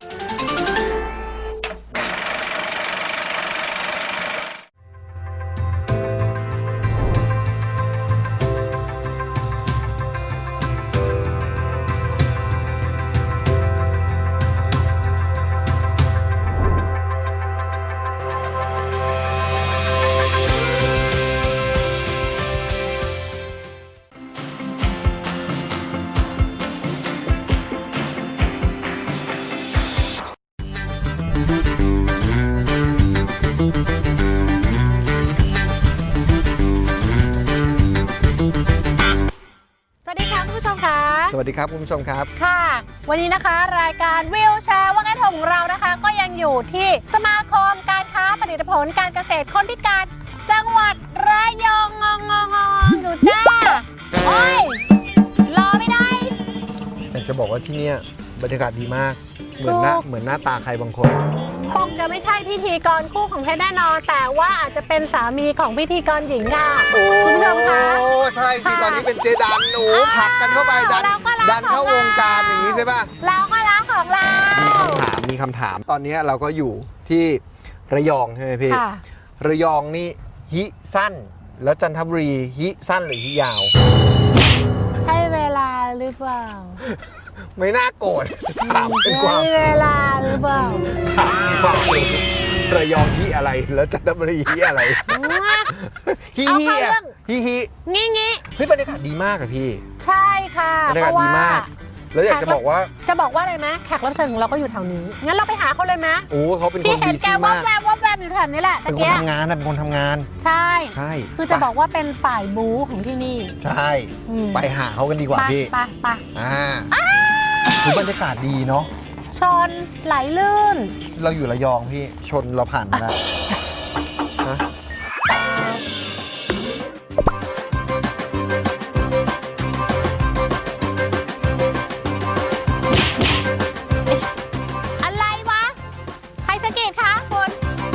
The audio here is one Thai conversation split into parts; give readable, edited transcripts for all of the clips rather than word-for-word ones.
สวัสดีครับคุณผู้ชมครับค่ะวันนี้นะคะรายการวิวแชร์ว่างั้นของเรานะคะก็ยังอยู่ที่สมาคมการค้าผลิตผลการเกษตรคนพิการจังหวัดระยองอยู่จ้าโอ้ยรอไม่ได้แต่จะบอกว่าที่นี่บรรยากาศดีมากเหมือนหน้าตาใครบางคนคงจะไม่ใช่พิธีกรคู่ของเพชรแน่นอนแต่ว่าอาจจะเป็นสามีของพิธีกรหญิงค่ะคุณผู้ชมคะโอ้ใช่สิตอนนี้เป็นเจดันหนูผลักกันเข้าไปดันเข้าวงการอย่างนี้ใช่ป่ะเราก็รักของเรามีคำถามตอนนี้เราก็อยู่ที่ระยองใช่ไหมพี่ระยองนี่ฮิสั้นแล้วจันทบุรีฮิสั้นหรือฮิยาวใช่เวลาหรือเปล่าไม่น่าโกรธถามเป็นความเวลาหรือเปล่าระยองฮิอะไรแล้วจันทบุรีฮิอะไรฮิงี้เฮ้ยบรรยากาศดีมากอะพี่ใช่ค่ะบรรยากาศดีมากแล้วอยากจะบอกว่าอะไรไหมแขกรับเชิญของเราก็อยู่แถวนี้งั้นเราไปหาเขาเลยไหมโอ้เขาเป็นคนดีซี่มากที่เห็นแกแวบอยู่แถวนี้แหละเป็นคนทำงานเป็นคนทำงานใช่คือจะบอกว่าเป็นฝ่ายบู๊ของที่นี่ใช่ไปหาเขากันดีกว่าพี่ไปคือบรรยากาศดีเนาะชนไหลลื่นเราอยู่ระยองพี่ชนเราผ่านมาแล้วอะไรวะใครสังเกตคะคุณ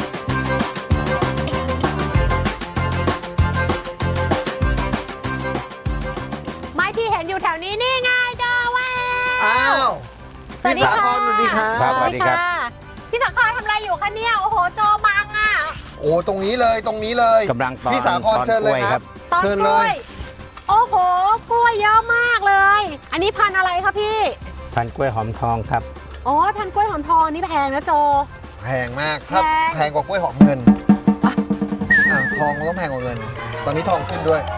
ไม้ที่เห็นอยู่แถวนี้นี่ไงจ้าว้าวพี่สาครสวัสดีครับสวัสดีครับพี่สาครทำอะไรอยู่คะเนี่ยโอ้โหโจบังอ่ะโอ้ตรงนี้เลยกำลังตอนพี่สาครเชิญเลยครับตอนกล้วยโอ้โหกล้วยเยอะมากเลยอันนี้พันธุ์อะไรคะพี่พันธุ์กล้วยหอมทองครับอ๋อพันธุ์กล้วยหอมทองนี่แพงนะโจแพงมากถ้าแพงกว่ากล้วยหอมเงินทองก็แพงกว่าเงินตอนนี้ทองขึ้นด้วย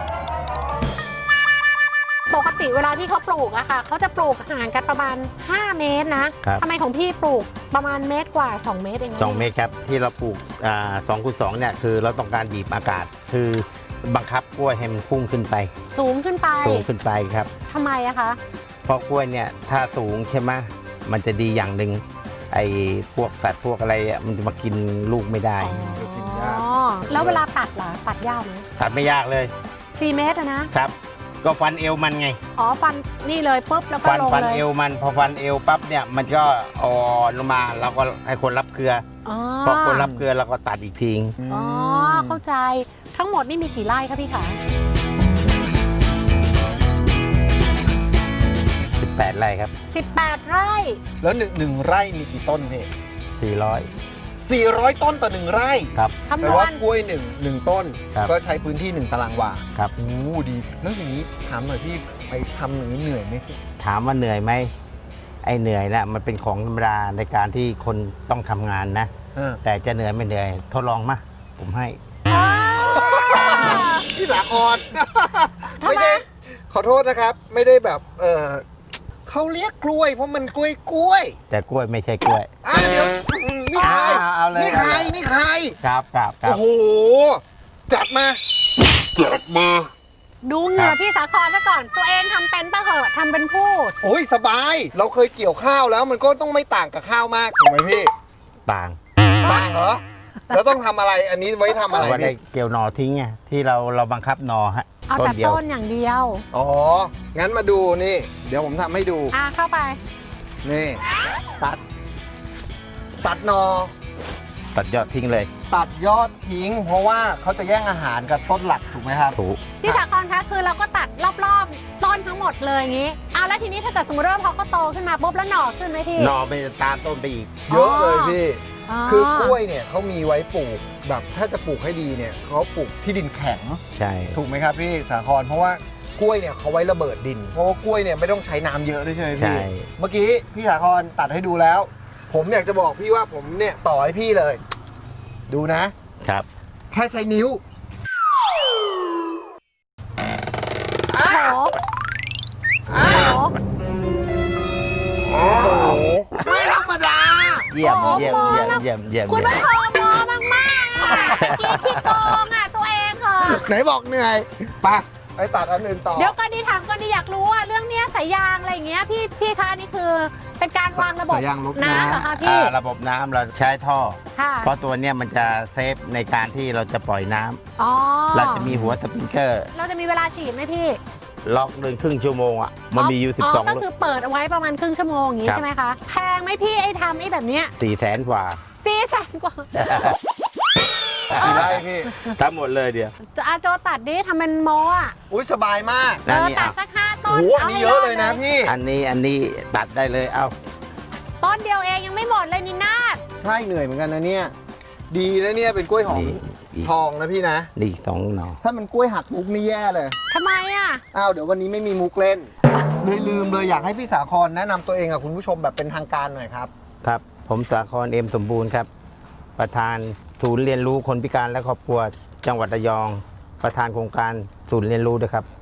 ปกติเวลาที่เขาปลูกอะค่ะเขาจะปลูกห่างกันประมาณ5เมตรนะทำไมของพี่ปลูกประมาณเมตรกว่า2เมตรเอง 2 เมตรครับที่เราปลูก2x2เนี่ยคือเราต้องการบีบอากาศคือบังคับกล้วยให้มันพุ่งขึ้นไปสูงขึ้นไปครับทำไมอะคะเพราะกล้วยเนี่ยถ้าสูงใช่ไหมมันจะดีอย่างหนึ่งไอ้พวกสัตว์พวกอะไรมันจะมากินลูกไม่ได้แล้วเวลาตัดล่ะตัดยากไหมตัดไม่ยากเลย 4 เมตรนะครับก็ฟันเอวมันไงอ๋อฟันนี่เลยปุ๊บแล้วก็ลงเลยฟันเอวมันพอฟันเอวปั๊บเนี่ยมันก็อ่อนลงมาเราก็ให้คนรับเกลือพอคนรับเกลือเราก็ตัดอีกทีอ๋อเข้าใจทั้งหมดนี่มีกี่ไร่คะพี่คะ 18 ไร่ครับ 18 ไร่แล้วหนึ่งไร่มีกี่ต้นพี่400 ต้นต่อ1 ไร่ครับแปลว่ากล้วยหนึ่งต้นก็ใช้พื้นที่1 ตารางวาครับโอ้ดีแล้วอย่างนี้ถามหน่อยพี่ไปทำอย่างนี้เหนื่อยไหมพี่ถามว่าเหนื่อยไหมไอ้เหนื่อยนะมันเป็นของธรรมดาในการที่คนต้องทำงานนะแต่จะเหนื่อยไม่เหนื่อยทดลองมาผมให้พี่สาครไม่ใช่ขอโทษนะครับไม่ได้แบบเขาเรียกกล้วยเพราะมันกล้วยแต่กล้วยไม่ใช่กล้วยเดี๋ยวนี่ใครครับโอ้โหจัดมาดูเหงื่อพี่สาครซะก่อนตัวเองทำเป็นปะเหอะทำเป็นพูดโอ้ยสบายเราเคยเกี่ยวข้าวแล้วมันก็ต้องไม่ต่างกับข้าวมากถูกไหมพี่ต่างเหรอแล้วต้องทำอะไรอันนี้ไว้ทำอะไรพี่ได้เกี่ยวหน่อทิ้งไงที่เราบังคับหน่อฮะเอาแต่ต้นอย่างเดียวอ๋องั้นมาดูนี่เดี๋ยวผมทำให้ดูเข้าไปนี่ตัดหน่อตัดยอดทิ้งเลยตัดยอดทิ้ง เพราะว่าเขาจะแย่งอาหารกับต้นหลักถูกไหมครับถูกพี่สาครคะคือเราก็ตัดรอบๆต้นทั้งหมดเลยอย่างนี้เอาแล้วทีนี้ถ้าเกิดสมมติว่าพอเขาโตขึ้นมาปุ๊บแล้วหน่อขึ้นไหมพี่หนอไปตามต้นไปอีกเยอะเลยพี่อ๋อคือกล้วยเนี่ยเขามีไว้ปลูกแบบถ้าจะปลูกให้ดีเนี่ยเขาปลูกที่ดินแข็งใช่ถูกไหมครับพี่สาครเพราะว่ากล้วยเนี่ยเขาไว้ระเบิดดิน เพราะว่ากล้วยเนี่ยไม่ต้องใช้น้ำเยอะด้วยใช่ไหมใช่พี่เมื่อกี้พี่สาครตัดให้ดูแล้ว ผมอยากจะบอกพี่ว่าผมเนี่ยต่อให้พี่เลย ดูนะครับ แค่ใช้นิ้วโอ้โหโอ้โหโอ้โหไม่ธรรมดาเยี่ยมโอ้โหเยี่ยมมองเยี่ยมแล้วเยี่ยมเยี่ยมคุณผู้ชมมองมากๆอ่ะขี้โกงอ่ะตัวเองเหรอไหนบอกเหนื่อยไปตัดอันอื่นต่อเดี๋ยวก่อนดีถามก่อนดีอยากรู้ว่าเรื่องเนี้ยสายยางอะไรอย่างเงี้ยพี่คะนี่คือเป็นการวางระบบสายยางลดน้ำน้ำเหรอคะพี่ระบบน้ำเราใช้ท่อค่ะเพราะตัวเนี้ยมันจะเซฟในการที่เราจะปล่อยน้ำอ๋อเราจะมีหัวสปริงเกอร์เราจะมีเวลาฉีดไหมพี่ล็อกเดินครึ่งชั่วโมงอ่ะมันมีอยู่ก็ 12 คือเปิดเอาไว้ประมาณครึ่งชั่วโมงอย่างงี้ครับใช่ไหมคะแพงไหมพี่ไอ้ทำไอ้แบบเนี้ย 400,000 กว่า 400,000 กว่ากี่ไร่พี่ทั้งหมดเลยเดียวโจตัดดิทำเป็นโมอ่ะอุ้ยสบายมากนั่นนี่ตัดอ่ะสัก5 ต้โอ้นโหอันนี้เยอะเลยนะพี่อันนี้ตัดได้เลยเอาต้นเดียวเองยังไม่หมดเลยนี่นาดใช่เหนื่อยเหมือนกันนะเนี่ย ดีนะเนี่ยเป็นกล้วยหอมนี่อีกทองนะพี่นะนี่อีก2 หน่อถ้ามันกล้วยหักมุกนี่แย่เลยทำไมอ่ะอ้าวเดี๋ยววันนี้ไม่มีมุกเล่น เลยลืมเลยอยากให้พี่สาครแนะนำตัวเองกับคุณผู้ชมแบบเป็นทางการหน่อยครับครับ ผมสาครเอ็มสมบูรณ์ครับ ประธานศูนย์เรียนรู้คนพิการและครอบครัวจังหวัดระยอง ประธานโครงการศูนย์เรียนรู้ด้วยครับ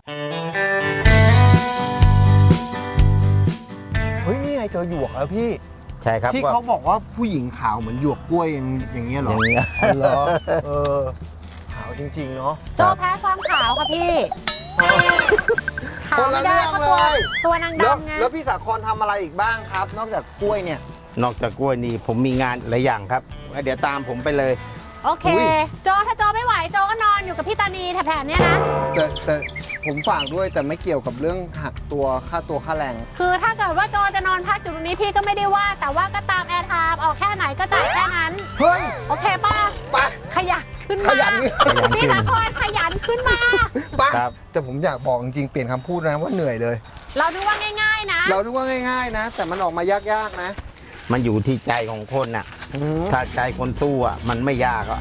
เฮ้ยนี่ไงเจอหยวกแล้วพี่ใช่ครับที่เขาบอกว่าผู้หญิงขาวเหมือนหยวกกล้วยอย่างเงี้ยเหรออย่างเงี้ยเหรอขาวจริงๆเนาะโจแพ้ความขาวค่ะพี่ขาวคนละไม่ได้เรื่องเพราะเลตัวย นางแล้วดำไงแล้วพี่สาครทำอะไรอีกบ้างครับ นอกจากกล้วยเนี่ยนอกจากกล้วยนี่ผมมีงานหลายอย่างครับเดี๋ยวตามผมไปเลยโอเคอุ๊ยโจถ้าโจไม่ไหวโจก็นอนอยู่กับพี่ตานีแถบๆเนี้ยนะแต่ผมฝากด้วยแต่ไม่เกี่ยวกับเรื่องหักตัวค่าแรงคือถ้าเกิดว่าโจจะนอนพักอยู่ตรงนี้พี่ก็ไม่ได้ว่า แต่ว่าก็ตามแอร์ไทม์ออกแค่ไหนก็จ่ายแค่นั้นเฮ้ยโอเคป่ะไปขยันขึ้นขมายันพี่สาครขยันขึ้นมาไปครับแต่ผมอยากบอกจริงๆเปลี่ยนคำพูดนะว่าเหนื่อยเลยเราดูว่าง่ายๆนะเราดูว่าง่ายๆนะ แต่มันออกมายากๆนะมันอยู่ที่ใจของคนน่ะอืมถ้าใจคนสู้อ่ะมันไม่ยากอ่ะ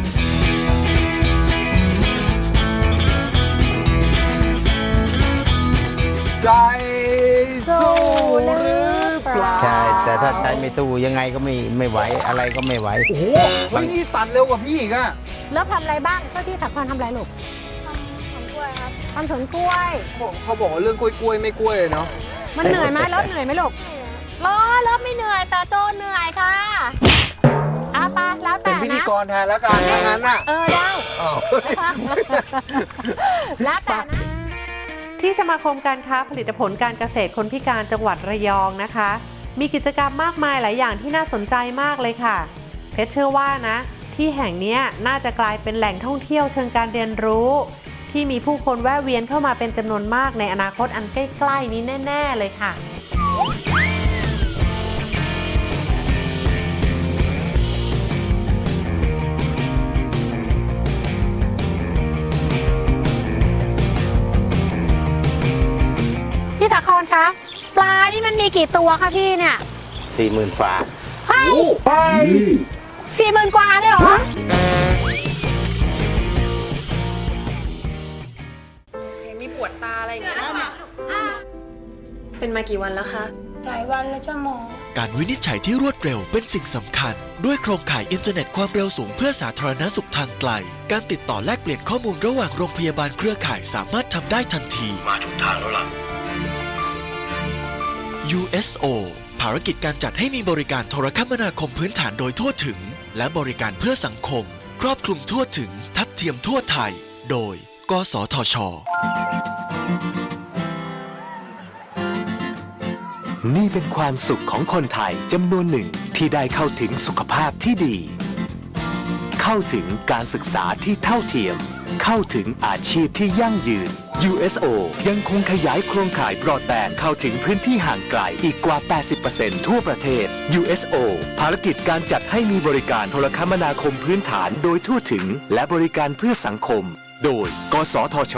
ใจสู้หรือเปล่าใช่ แต่ถ้าใจไม่สู้ยังไงก็ไม่ไหวอะไรก็ไม่ไหวโอ้โหเฮ้ยนี่ตัดเร็วกว่าพี่อีกอะแล้วทำอะไรบ้างเจ้าที่สาครทำอะไรลูกทำกล้วยครับทำสวนกล้วยเขาบอกว่าเรื่องกล้วยๆไม่กล้วยเลยเนาะมันเหนื่อยไหมรถเหนื่อยไหมลูกรถไม่เหนื่อยแต่โจเหนื่อยค่ะเอาไปแล้วเป็แต่นพิธีนะกรแทนแล้วกันถ้างั้นน่ะได้อ้าวแล้วแต่นะที่สมาคมการค้าผลิตผลการเกษตรคนพิการจังหวัดระยองนะคะ มีกิจกรรมมากมายหลายอย่างที่น่าสนใจมากเลยค่ะ เพชรเชื่อว่านะ ที่แห่งนี้น่าจะกลายเป็นแหล่งท่องเที่ยวเชิงการเรียนรู้ ที่มีผู้คนแวะเวียนเข้ามาเป็นจำนวนมากในอนาคตอันใกล้ๆนี้แน่ๆเลยค่ะพี่สาครคะปลานี่มันมีกี่ตัวคะพี่เนี่ย 40,000 ฝาเฮ้ย40,000 กว่าเลยเหรอมีปวดตาอะไรอย่างเงี้ยเป็นมากี่วันแล้วคะหลายวันแล้วจ้าหมอการวินิจฉัยที่รวดเร็วเป็นสิ่งสำคัญ ด้วยโครงข่ายอินเทอร์เน็ตความเร็วสูงเพื่อสาธารณสุขทางไกล การติดต่อแลกเปลี่ยนข้อมูลระหว่างโรงพยาบาลเครือข่ายสามารถทำได้ทันที มาถูกทางแล้วล่ะ USO ภารกิจการจัดให้มีบริการโทรคมนาคมพื้นฐานโดยทั่วถึง และบริการเพื่อสังคม ครอบคลุมทั่วถึง ทัดเทียมทั่วไทย โดย กสทช. นี่เป็นความสุขของคนไทยจำนวนหนึ่งที่ได้เข้าถึงสุขภาพที่ดี เข้าถึงการศึกษาที่เท่าเทียม เข้าถึงอาชีพที่ยั่งยืน USO ยังคงขยายโครงข่ายบรอดแบนด์เข้าถึงพื้นที่ห่างไกลอีกกว่า 80% ทั่วประเทศ USO ภารกิจการจัดให้มีบริการโทรคมนาคมพื้นฐานโดยทั่วถึงและบริการเพื่อสังคม โดย กสทช.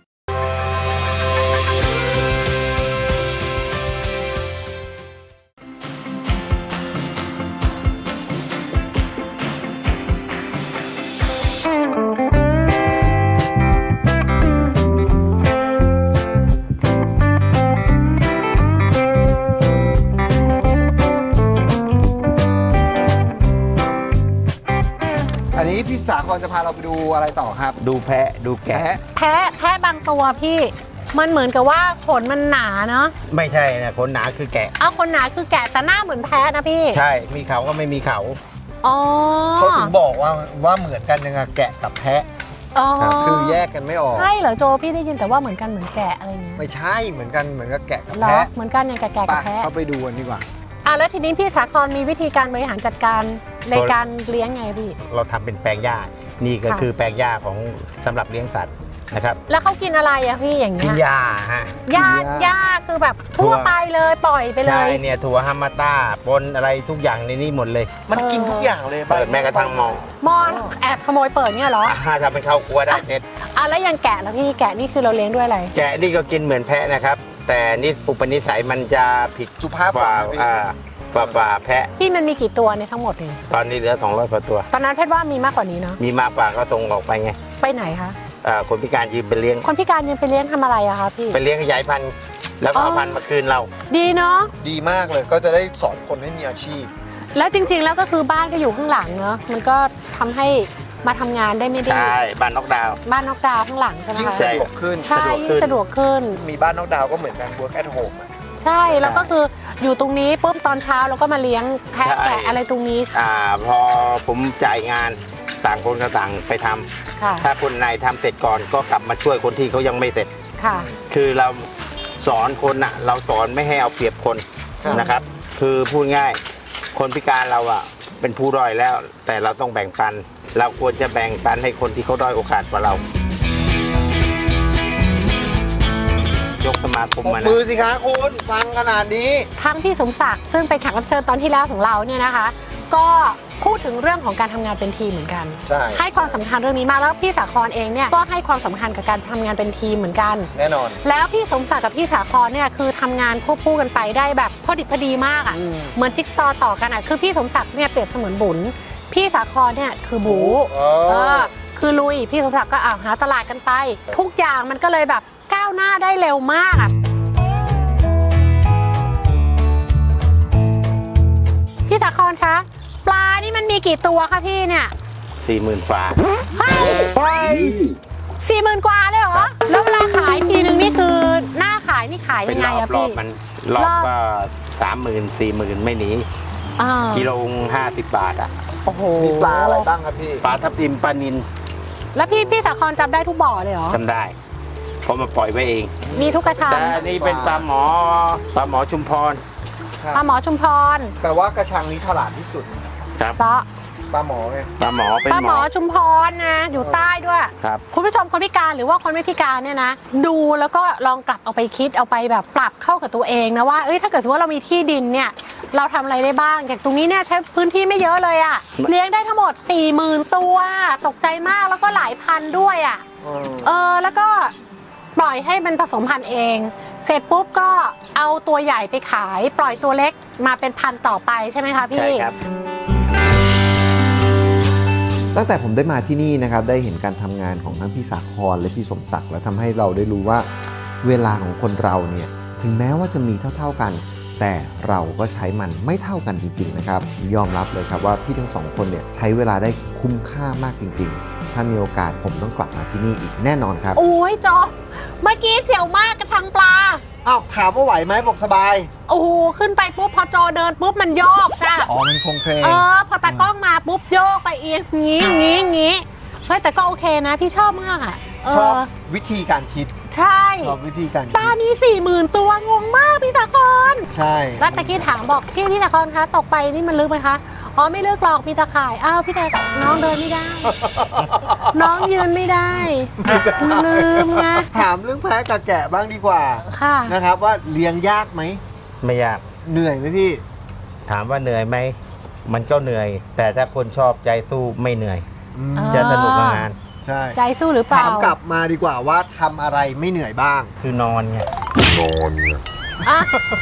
อันนี้พี่สาครจะพาเราไปดูอะไรต่อครับดูแพะดูแกะแพะแพ้บางตัวพี่ มันเหมือนกับว่าขนมันหนาเนาะไม่ใช่นะขนหนาคือแกะเอาขนหนาคือแกะแต่หน้าเหมือนแพ้นะพี่ใช่มีเขาก็ไม่มีเขาอ๋อเขาถึงบอกว่าเหมือนกันยังไงแกะกับแพะอ๋อคือแยกกันไม่ออกใช่เหรอโจพี่ได้ยินแต่ว่าเหมือนกันเหมือนแกะอะไรอย่างเงี้ยไม่ใช่เหมือนกันเหมือนกับแกะกับเหรอแพะเหมือนกันอย่างแกะไปกับแพ้เข้าไปดูกันดีกว่าแล้วทีนี้พี่สาครมีวิธีการบริหารจัดการในการเลี้ยงไงพี่เราทำเป็นแปลงหญ้านี่ก็ค่ะคือแปลงหญ้าของสำหรับเลี้ยงสัตว์นะครับแล้วเขากินอะไรอะพี่อย่างกิเงี้นยหญ้าฮะหญ้ากินหญ้าหญ้าคือแบบทั่วไปเลยปล่อยไปเลใช่ยเนี่ยถั่วฮามาต้าปนอะไรทุกอย่างในนี้หมดเลยมันกินทุกอย่างเลยเปิดแม้กระทั่งมองมอนแอบขโมยเปิดเนี่ยเหรอทำเป็นข้าวกลัวได้เน็ตแล้วอย่างแกะแล้วพี่แกะนี่คือเราเลี้ยงด้วยอะไรแกะนี่ก็กินเหมือนแพะนะครับ แต่นี่อุปนิสัยมันจะผิดสุภาพกกว่าว่านะพี่กว่าแพะพี่มันมีกี่ตัวในทั้งหมดเนี่ยตอนนี้เหลือ200กว่าตัวตอนนั้นเพชรว่ามีมากกว่านี้เนาะมีมากกว่าก็ส่งออกไปไงไปไหนคะคนพิการยืมไปเลี้ยงคนพิการยังไปเลี้ยงทำอะไรอะคะพี่ไปเลี้ยงขยายพันธุ์แล้วก็เอาอ๋อพันธุ์มาคืนเราดีเนาะดีมากเลยก็จะได้สอนคนให้มีอาชีพแล้วจริงๆแล้วก็คือบ้านก็อยู่ข้างหลังเนาะมันก็ทำให้มาทำงานได้ไม่ได้ใช่บ้านนอกดาวน์บ้านนอกดาวน์ข้างหลังใช่ไหมยิ่งคะสะดวกขึ้นใช่ยิ่งสะดวกขึ้นมีบ้านนอกดาวน์ก็เหมือนกัน work at home อะใช่แล้วก็คืออยู่ตรงนี้ปุ๊บตอนเช้าเราก็มาเลี้ยงแพะใช่แกะอะไรตรงนี้พอผมจ่ายงานต่างคนก็ต่างไปทำค่ะถ้าคนไหนทำเสร็จก่อนก็กลับมาช่วยคนที่เขายังไม่เสร็จค่ะคือเราสอนคนน่ะเราสอนไม่ให้เอาเปรียบคนนะครับ คือพูดง่ายคนพิการเราอ่ะเป็นผู้ด้อยแล้ว แต่เราต้องแบ่งปัน เราควรจะแบ่งปันให้คนที่เขาด้อยโอกาสกว่าเรา ยกสมาคมปรบมานะมือสิคะคุณฟังขนาดนี้ทั้งพี่สมศักดิ์ซึ่งเป็นแขกรับเชิญตอนที่แล้วของเราเนี่ยนะคะ ก็พูดถึงเรื่องของการทำงานเป็นทีมเหมือนกันใช่ให้ความสำคัญเรื่องนี้มากแล้วพี่สาครเองเนี่ยก็ให้ความสำคัญกับการทำงานเป็นทีมเหมือนกันแน่นอนแล้วพี่สมศักดิ์กับพี่สาครเนี่ยคือทำงานควบคู่กันไปได้แบบพอดิบพอดีมากอ่ะอืมเหมือนจิ๊กซอว์ต่อกันอ่ะคือพี่สมศักดิ์เนี่ยเปรียบเสมือนบุญพี่สาครเนี่ยคือบู คือลุยพี่สมศักดิ์ก็หาตลาดกันไป ทุกอย่างมันก็เลยแบบก้าวหน้าได้เร็วมากอ่ะพี่สาครคะปลานี่มันมีกี่ตัวคะพี่เนี่ย 40,000 ฝาเฮ้ย40,000 กว่าเลยเหรอ แล้วเวลาขายทีนึงนี่คือหน้าขายนี่ขายเป็ยันงไงรอบอะรอพี่บมันรอบก็ 30,000 40,000 ไม่หนีอ่ากิโล50 บาทอ่ะโอ้โหมีปลาอะไรบ้างครับพี่ปลาทับทิมปลานิลแล้วพี่สาครจำได้ทุกบ่อเลยเหรอจำได้เพราะมาปล่อยไว้เองมีทุกกระชังแต่อันนี่เป็นปลาหมอชุมพรปลาหมอชุมพรแต่ว่ากระชังนี้ฉลาดที่สุดครับเพราะปลาหมอไงปลาหมอเป็นปลาหหมมออชุมพรนะอยู่ใต้ด้วยครับคุณผู้ชมคนพิการหรือว่าคนไม่พิการเนี่ยนะ ดูแล้วก็ลองกลับเอาไปคิดเอาไปแบบปรับเข้ากับตัวเองนะว่าถ้าเกิดสมมติว่าเรามีที่ดินเนี่ยเราทำอะไรได้บ้างอย่างตรงนี้เนี่ยใช้พื้นที่ไม่เยอะเลยอะเลี้ยงได้ทั้งหมด 40,000 ตัวตกใจมากแล้วก็หลายพันด้วยอะแล้วก็ปล่อยให้มันผสมพันธุ์เอง เสร็จปุ๊บก็เอาตัวใหญ่ไปขาย ปล่อยตัวเล็กมาเป็นพันธุ์ต่อไปใช่ไหมคะพี่ใช่ครับตั้งแต่ผมได้มาที่นี่นะครับได้เห็นการทำงานของทั้งพี่สาครและพี่สมศักดิ์และทำให้เราได้รู้ว่าเวลาของคนเราเนี่ยถึงแม้ว่าจะมีเท่าๆกัน แต่เราก็ใช้มันไม่เท่ากันจริงๆนะครับยอมรับเลยครับว่าพี่ทั้งสองคนเนี่ยใช้เวลาได้คุ้มค่ามากจริงๆ ถ้ามีโอกาสผมต้องกลับมาที่นี่อีกแน่นอนครับโอ้ยจอเมื่อกี้เสียวมากกระชังปลาอ้าวถามว่าไหวไหมบอกสบายโอ้โหขึ้นไปปุ๊บพอโจเดินปุ๊บมันโยกจ้ะอ๋อมันคงเพลงพอตากล้องมาปุ๊บโยกไปเอียงงี้เฮ้ยแต่ก็โอเคนะพี่ชอบมากอ่ะชอบวิธีการคิดใช่ชอบวิธีการปลาคิดมี 40,000 ตัวงงมากพี่สาครใช่แล้วตะกี้ถามบอกพี่สาครคะตกไปนี่มันลึกไหมคะอ๋อไม่เลือกหรอกมีตะข่ายอ้าวพี่แต่น้องเดินไม่ได้ น้องยืนไม่ได้ลืมไงถามเรื่องแพะกับแกะบ้างดีกว่าค่ะนะครับว่าเลี้ยงยากไหมไม่ยากเหนื่อยไหมพี่ถามว่าเหนื่อยไหมมันก็เหนื่อย แต่ถ้าคนชอบใจสู้ไม่เหนื่อยอืมจะสนุกกับงานใช่ใจสู้หรือเปล่าถามกลับมาดีกว่าว่าทำอะไรไม่เหนื่อยบ้างคือนอนไงอ่ะ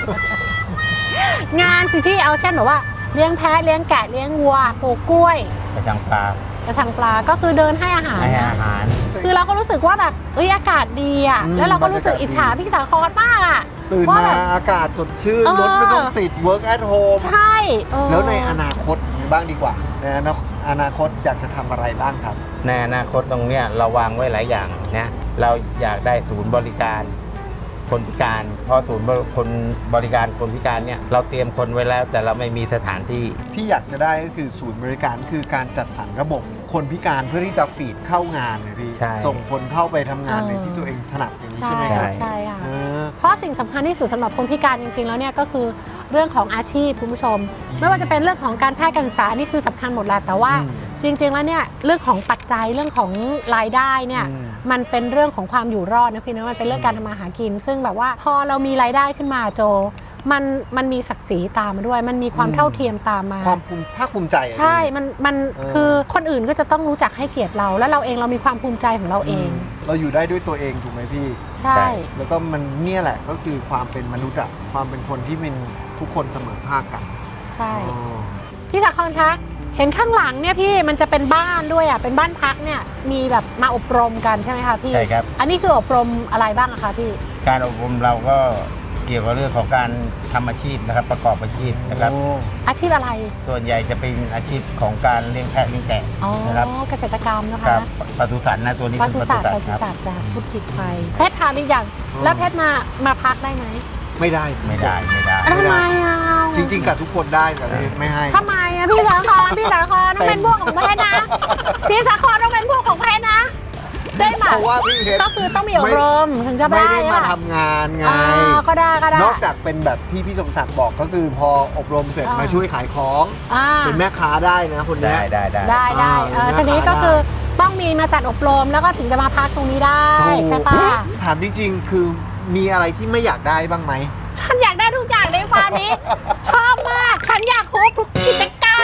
งานสิพี่เอาเช่นแบบว่าเลี้ยงแพะเลี้ยงแกะเลี้ยงวัวปลูกกล้วยกระชังปลากระชังปลาก็คือเดินให้อาหารให้นะอาหารคือเราก็รู้สึกว่าแบบอากาศดีอ่ะอืมแล้วเราก็รู้สึกอิจฉาพี่สาครมากอ่ะตื่นว่ามาแบบอากาศสดชื่นเออรถไม่ต้องติด work at home ใช่เออแล้วในอนาคตบ้างดีกว่าในอนาคตอยากจะทำอะไรบ้างครับในอนาคตตรงเนี้ยเราวางไว้หลายอย่างนะเราอยากได้ศูนย์บริการคนพิการเพราะศูนย์คนบริการคนพิการเนี่ยเราเตรียมคนไว้แล้วแต่เราไม่มีสถานที่ที่อยากจะได้ก็คือศูนย์บริการคือการจัดสรรระบบคนพิการเพื่อที่จะฟีดเข้างานเลยพี่ใช่ส่งคนเข้าไปทำงานในที่ตัวเองถนัดอย่างนี้ใช่ใช่ไหมครับใช่ค่ะเออเพราะสิ่งสำคัญที่สุดสำหรับคนพิการจริงๆแล้วเนี่ยก็คือเรื่องของอาชีพคุณผู้ชม ไม่ว่าจะเป็นเรื่องของการแพทย์การศึกษาอันนี่คือสำคัญหมดแหละแต่ว่าอืมจริงๆแล้วเนี่ยเรื่องของปัจจัยเรื่องของรายได้เนี่ยอืมมันเป็นเรื่องของความอยู่รอดนะพี่นะมันเป็นเรื่องการทำมาหากิน ซึ่งแบบว่าพอเรามีรายได้ขึ้นมาโจมันมีศักดิ์ศรีตามมาด้วย มันมีความเท่าเทียมตามมาความภาคภูมิใจอะใช่พี่มันเออคือคนอื่นก็จะต้องรู้จักให้เกียรติเรา แล้วเราเองเรามีความภูมิใจของเราเองเราอยู่ได้ด้วยตัวเองถูกไหมพี่ใช่แล้วก็มันเนี่ยแหละก็คือความเป็นมนุษย์อะความเป็นคนที่เป็นทุกคนเสมอภาคกันใช่อ๋อพี่สาครคะเห็นข้างหลังเนี่ยพี่มันจะเป็นบ้านด้วยอ่ะเป็นบ้านพักเนี่ยมีแบบมาอบรมกันใช่ไหมคะพี่ใช่ครับอันนี้คืออบรมอะไรบ้างอะคะพี่การอบรมเราก็เกี่ยวกับเรื่องของการทำอาชีพนะครับประกอบอาชีพนะครับโอ้อาชีพอะไรส่วนใหญ่จะเป็นอาชีพของการเลี้ยงแพะเลี้ยงแกะอ๋อนะครับเกษตรกรรมนะครัคะบปศุสัตว์นะตัวนี้ปเป็นศุปสัศุตว์สัตว์ครับปศุสัตว์จะพูดผิดไปแพทย์ทานหรือยังแล้วแพทย์มาพักได้ไหมไม่ได้ไม่ได้ทำไมอ่ะจริงๆกับทุกคนได้แต่ไม่ให้ทำไมอ่ะพี่สาครต้องเป็นพวกของแพทย์นะพี่สาครต้องเป็นพวกของแพทย์นะได้ไหมเพราะว่าพี่เพชรก็คือต้องมีอบรมถึงจะไม่ได้ได้มาอะทำงานไงก็ได้นอกจากเป็นแบบที่พี่สมศักดิ์บอกก็คือพออบรมเสร็จอ่ามมาช่วยขายของอ่าเป็นแม่ค้าได้นะคนเนี้ได้ยได้ได้ได้อ่าทีนี้ได้ก็คือต้องมีมาจัดอบรมแล้วก็ถึงจะมาพักตรงนี้ได้ถูกใช่ปะถามจริงๆ คือมีอะไรที่ไม่อยากได้บ้างไหมฉันอยากได้ทุกอย่างในฟาร์มนี้ ชอบมาก ฉันอยากครบทุกกิจการ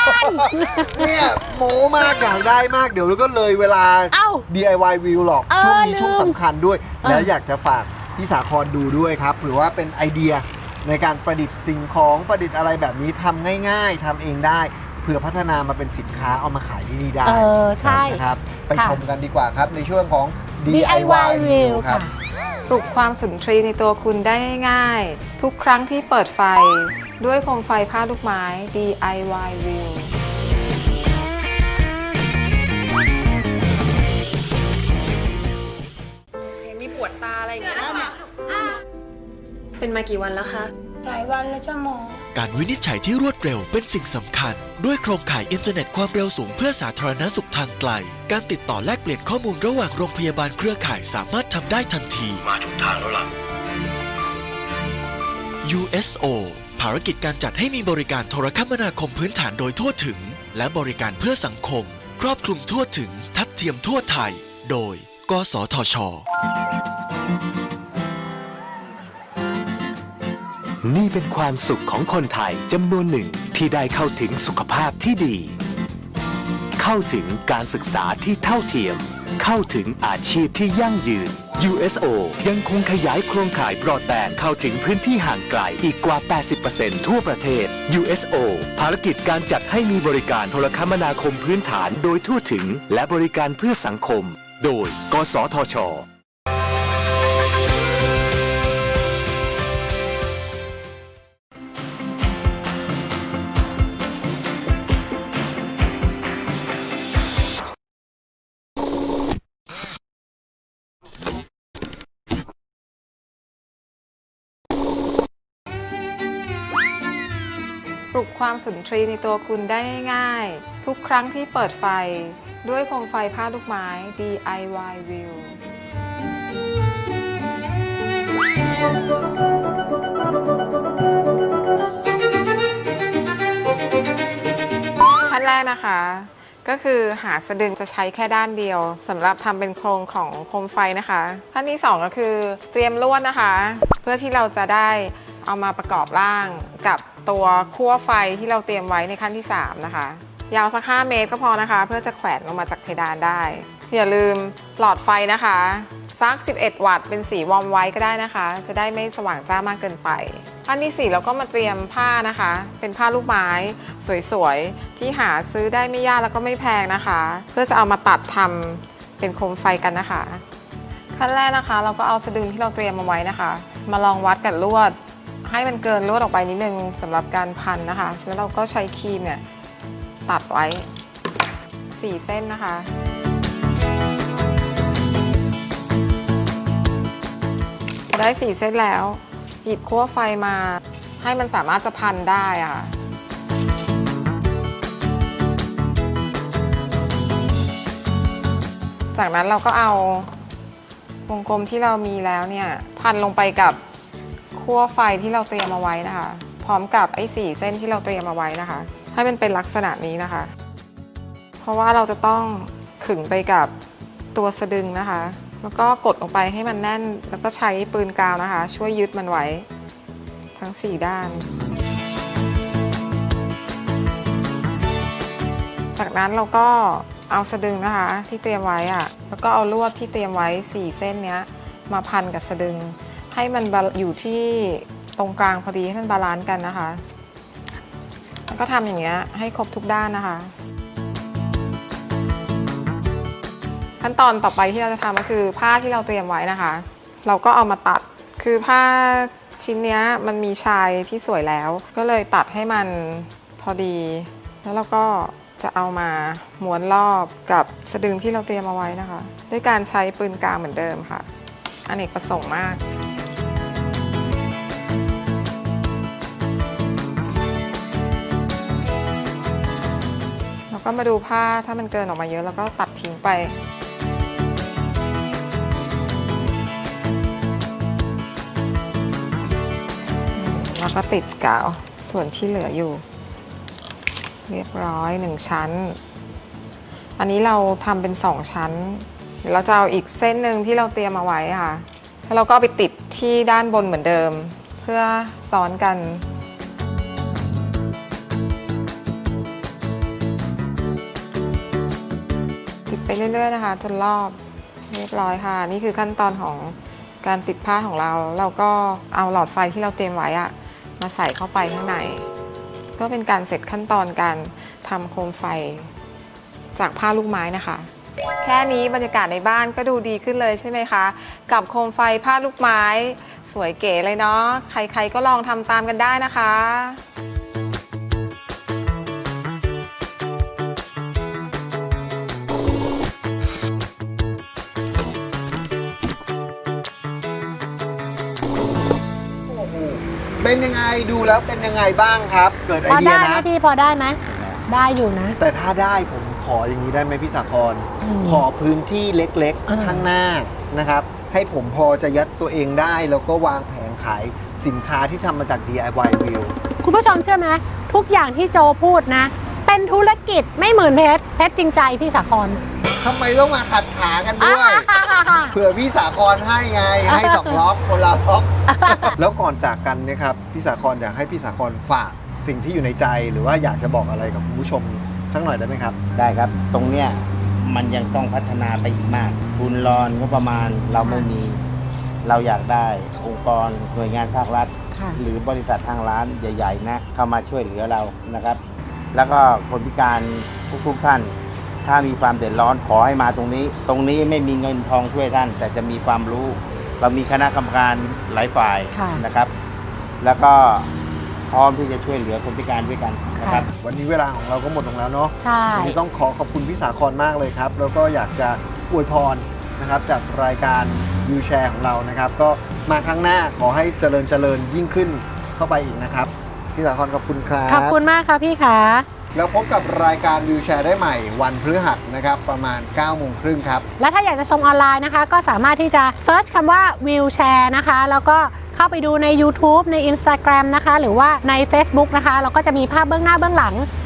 เนี่ยโมมากอยากได้มากเดี๋ยวก็เลยเวลาเอ้า DIY วิวหรอกเออช่วงนี้ลืมช่วงสำคัญด้วยเออแล้วอยากจะฝากพี่สาครดูด้วยครับหรือว่าเป็นไอเดียในการประดิษฐ์สิ่งของประดิษฐ์อะไรแบบนี้ทำง่ายๆทำเองได้เพื่อพัฒนามาเป็นสินค้าเอามาขายที่นี่ได้ใช่นะครับไปค่ะชมกันดีกว่าครับในช่วงของ DIY View ครัค่ะบปลุกความสุนทรีย์ในตัวคุณได้ง่ายๆ ทุกครั้งที่เปิดไฟ ด้วยโคมไฟผ้าลูกไม้ DIY View มีปวดตาอะไรอย่างเงี้ยเป็นมากี่วันแล้วคะหลายวันแล้วจ้าหมอการวินิจฉัยที่รวดเร็วเป็นสิ่งสำคัญ ด้วยโครงข่ายอินเทอร์เน็ตความเร็วสูงเพื่อสาธารณสุขทางไกล การติดต่อแลกเปลี่ยนข้อมูลระหว่างโรงพยาบาลเครือข่ายสามารถทำได้ทันที มาถูกทางแล้วล่ะ USO ภารกิจการจัดให้มีบริการโทรคมนาคมพื้นฐานโดยทั่วถึง และบริการเพื่อสังคม ครอบคลุมทั่วถึง ทัดเทียมทั่วไทย โดย กสทช. นี่เป็นความสุขของคนไทยจำนวนหนึ่งที่ได้เข้าถึงสุขภาพที่ดี เข้าถึงการศึกษาที่เท่าเทียม เข้าถึงอาชีพที่ยั่งยืน USO ยังคงขยายโครงข่ายบรอดแบนด์เข้าถึงพื้นที่ห่างไกลอีกกว่า 80% ทั่วประเทศ USO ภารกิจการจัดให้มีบริการโทรคมนาคมพื้นฐานโดยทั่วถึงและบริการเพื่อสังคม โดย กสทช. ปลุกความสุนทรีย์ในตัวคุณได้ง่ายๆ ทุกครั้งที่เปิดไฟ ด้วยโคมไฟผ้าลูกไม้ DIY View ขั้นแรกนะคะก็คือหาสะดึงจะใช้แค่ด้านเดียวสำหรับทำเป็นโครงของโคมไฟนะคะขั้นที่2ก็คือเตรียมลวดนะคะเพื่อที่เราจะได้เอามาประกอบร่างกับตัวคั่วไฟที่เราเตรียมไว้ในขั้นที่3นะคะยาวสัก5 เมตรก็พอนะคะเพื่อจะแขวนลงมาจากเพดานได้อย่าลืมหลอดไฟนะคะสัก11 วัตต์เป็นสีวอร์มไว้ก็ได้นะคะจะได้ไม่สว่างจ้ามากเกินไปขั้นที่4เราก็มาเตรียมผ้านะคะเป็นผ้าลูกไม้สวยๆที่หาซื้อได้ไม่ยากแล้วก็ไม่แพงนะคะเพื่อจะเอามาตัดทำเป็นโคมไฟกันนะคะขั้นแรกนะคะเราก็เอาสะดึงที่เราเตรียมมาไว้นะคะมาลองวัดกับลวดให้มันเกินลวดออกไปนิดนึงสำหรับการพันนะคะแล้วเราก็ใช้ครีมเนี่ยตัดไว้4 เส้นนะคะได้4 เส้นแล้วหยิบคั่วไฟมาให้มันสามารถจะพันได้อะจากนั้นเราก็เอาวงกลมที่เรามีแล้วเนี่ยพันลงไปกับคั่วไฟที่เราเตรียมเอาไว้นะคะพร้อมกับไอ้4 เส้นที่เราเตรียมเอาไว้นะคะให้มันเป็นลักษณะนี้นะคะเพราะว่าเราจะต้องขึงไปกับตัวสะดึงนะคะแล้วก็กดลงไปให้มันแน่นแล้วก็ใช้ปืนกาวนะคะช่วยยึดมันไว้ทั้ง4 ด้านจากนั้นเราก็เอาสะดึงนะคะที่เตรียมไว้อะแล้วก็เอาลวดที่เตรียมไว้4 เส้นเนี้ยมาพันกับสะดึงให้มันอยู่ที่ตรงกลางพอดีให้มันบาลานซ์กันนะคะแล้วก็ทำอย่างเงี้ยให้ครบทุกด้านนะคะขั้นตอนต่อไปที่เราจะทำก็คือผ้าที่เราเตรียมไว้นะคะเราก็เอามาตัดคือผ้าชิ้นนี้มันมีชายที่สวยแล้วก็เลยตัดให้มันพอดีแล้วเราก็จะเอามาม้วนรอบกับสะดึงที่เราเตรียมเอาไว้นะคะด้วยการใช้ปืนกาวเหมือนเดิมค่ะอเนกประสงค์มากแล้วก็มาดูผ้าถ้ามันเกินออกมาเยอะแล้วก็ตัดทิ้งไปแล้วก็ติดกาวส่วนที่เหลืออยู่เรียบร้อย1 ชั้นอันนี้เราทำเป็น2 ชั้นเดี๋ยวเราจะเอาอีกเส้นหนึ่งที่เราเตรียมเอาไว้ค่ะแล้วเราก็เอาไปติดที่ด้านบนเหมือนเดิมเพื่อซ้อนกันติดไปเรื่อยๆนะคะจนรอบเรียบร้อยค่ะนี่คือขั้นตอนของการติดผ้าของเราเราก็เอาหลอดไฟที่เราเตรียมไว้อะมาใส่เข้าไปข้างในก็เป็นการเสร็จขั้นตอนการทำโคมไฟจากผ้าลูกไม้นะคะแค่นี้บรรยากาศในบ้านก็ดูดีขึ้นเลยใช่ไหมคะกับโคมไฟผ้าลูกไม้สวยเก๋เลยเนาะใครๆก็ลองทำตามกันได้นะคะเป็นยังไงดูแล้วเป็นยังไงบ้างครับเกิดไอพอเดียได้ไหมนะพี่พอได้ไหมได้อยู่นะแต่ถ้าได้ผมขออย่างนี้ได้ไหมพี่สาครขอพื้นที่เล็กๆข้างหน้านะครับให้ผมพอจะยัดตัวเองได้แล้วก็วางแผงขายสินค้าที่ทำมาจาก DIY Wheel คุณผู้ชมเชื่อไหมทุกอย่างที่โจพูดนะเป็นธุรกิจไม่เหมือนเพชรจริงใจพี่สาครทำไมต้องมาขัดขากันด้วย เผื่อพี่สาครให้ไงให้2 ล็อกคนละล็อก แล้วก่อนจากกันเนี่ยครับพี่สาครอยากให้พี่สาครฝากสิ่งที่อยู่ในใจหรือว่าอยากจะบอกอะไรกับคุณผู้ชมสักหน่อยได้ไหมครับได้ครับตรงเนี้ยมันยังต้องพัฒนาไปอีกมากทุนรอนงบประมาณเราไม่มีเราอยากได้องค์กรหน่วยงานภาครัฐหรือบริษัททางร้านใหญ่ๆนะเข้ามาช่วยเหลือเรานะครับแล้วก็คนพิการทุกท่านถ้ามีความเดือดร้อนขอให้มาตรงนี้ไม่มีเงินทองช่วยท่านแต่จะมีความรู้เรามีคณะกรรมการหลายฝ่ายนะครับแล้วก็พร้อมที่จะช่วยเหลือคนพิการด้วยกันนะครับวันนี้เวลาของเราก็หมดลงแล้วเนาะใช่วันนี้ต้องขอบคุณพี่สาครมากเลยครับแล้วก็อยากจะอวยพรนะครับจากรายการวิวแชร์ของเรานะครับก็มาครั้งหน้าขอให้เจริญยิ่งขึ้นเข้าไปอีกนะครับพี่สาครขอบคุณครับขอบคุณมากค่ะพี่ขาแล้วพบกับรายการวิวแชร์ได้ใหม่วันพฤหัสนะครับประมาณ 9:30 ครับและถ้าอยากจะชมออนไลน์นะคะก็สามารถที่จะเซิร์ชคำว่าวิวแชร์นะคะแล้วก็เข้าไปดูใน YouTube ใน Instagram นะคะหรือว่าใน Facebook นะคะเราก็จะมีภาพเบื้องหน้าเบื้องหลัง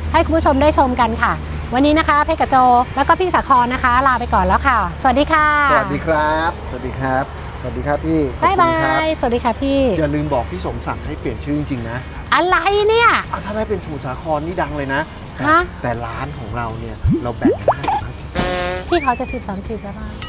ให้คุณผู้ชมได้ชมกันค่ะ วันนี้นะคะเพชรกับโจแล้วก็พี่สาครนะคะ ลาไปก่อนแล้วค่ะ สวัสดีค่ะสวัสดีครับ สวัสดีครับ สวัสดีครับพี่ขอบบ๊ายคุณบาครับยสวัสดีค่ะพี่อย่าลืมบอกพี่สมศักดิ์ให้เปลี่ยนชื่อจริงๆนะอะไรเนี่ยเอาถ้าได้เป็นสมุทรสาครนี่ดังเลยนะฮะแต่ร้านของเราเนี่ยเราแบ่งกัน50-50 พี่เขาจะ10-30แล้วป่ะ